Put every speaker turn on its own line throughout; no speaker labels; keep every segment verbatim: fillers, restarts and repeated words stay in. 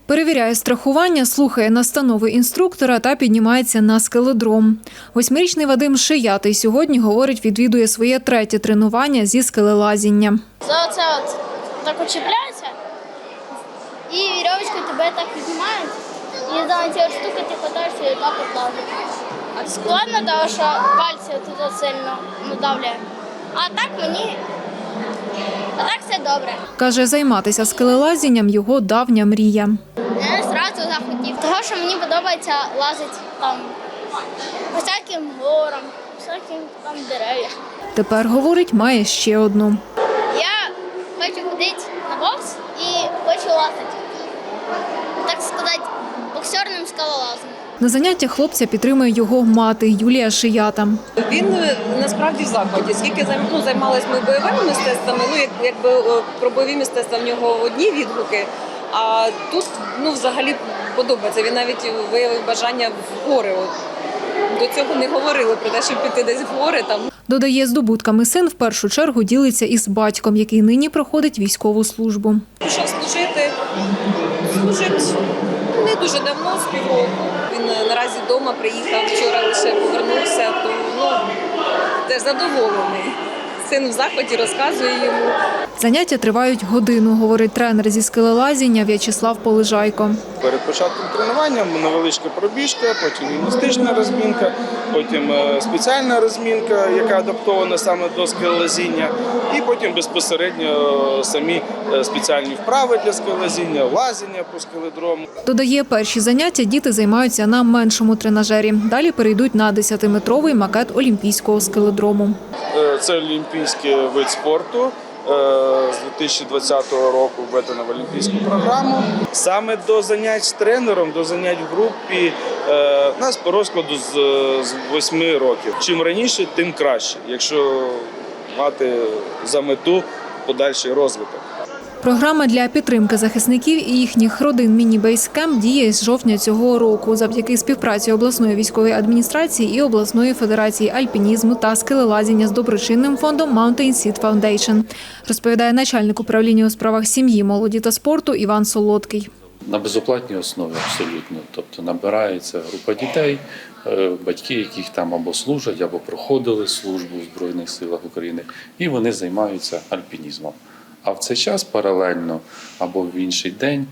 Перевіряє страхування, слухає настанови інструктора та піднімається на скеледром. Восьмирічний Вадим Шиятий сьогодні, говорить, відвідує своє третє тренування зі скелелазіння.
За оце от так от чіпляється, і вірьовочкою тебе так піднімають, і за ці от штуки ти хватаєшся і так от лазиш. Складно, тому що пальці тут сильно надавляє. А так мені, а так все добре.
Каже, займатися скелелазінням – його давня мрія.
Я одразу захотів, тому що мені подобається лазити там по всяким горам, всяким там дерев'ям.
Тепер, говорить, має ще одну.
Я хочу ходити на бокс і хочу лазити, так сказати, боксерним скалолазом.
На заняттях хлопця підтримує його мати Юлія Шията.
Він насправді в захваті. Скільки ну, займалися ми бойовими мистецтвами, ну як, якби про бойові мистецтва в нього одні відгуки, а тут ну, взагалі подобається. Він навіть виявив бажання в гори. От, до цього не говорили про те, щоб піти десь в гори. Там.
Додає, здобутками син в першу чергу ділиться із батьком, який нині проходить військову службу.
Пішов служити, служить не дуже давно, з півроку. Він наразі вдома приїхав, вчора лише повернувся, то ну, теж задоволений. Син в захваті, розказує йому.
Заняття тривають годину, говорить тренер зі скелелазіння В'ячеслав Полежайко.
Перед початком тренування невеличка пробіжка, потім гімнастична розмінка, потім спеціальна розмінка, яка адаптована саме до скелелазіння, і потім безпосередньо самі спеціальні вправи для скелелазіння, лазіння по скеледрому.
Додає, перші заняття діти займаються на меншому тренажері. Далі перейдуть на десятиметровий макет олімпійського скеледрому.
Це олімпійський вид спорту. З дві тисячі двадцятого року введено в олімпійську програму. Саме до занять з тренером, до занять в групі у нас по розкладу з восьми років. Чим раніше, тим краще, якщо мати за мету подальший розвиток.
Програма для підтримки захисників і їхніх родин «Міні-бейскемп» діє з жовтня цього року завдяки співпраці обласної військової адміністрації і обласної федерації альпінізму та скелелазіння з доброчинним фондом Mountain Seed Foundation, розповідає начальник управління у справах сім'ї, молоді та спорту Іван Солодкий.
На безоплатній основі абсолютно. Тобто набирається група дітей, батьки, яких там або служать, або проходили службу в Збройних силах України, і вони займаються альпінізмом. А в цей час паралельно або в інший день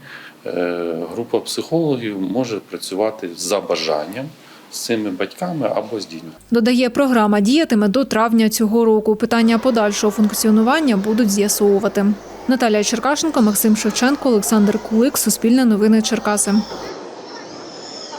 група психологів може працювати за бажанням з цими батьками або з дітьми.
Додає, програма діятиме до травня цього року. Питання подальшого функціонування будуть з'ясовувати. Наталія Черкашенко, Максим Шевченко, Олександр Кулик, Суспільне новини Черкаси.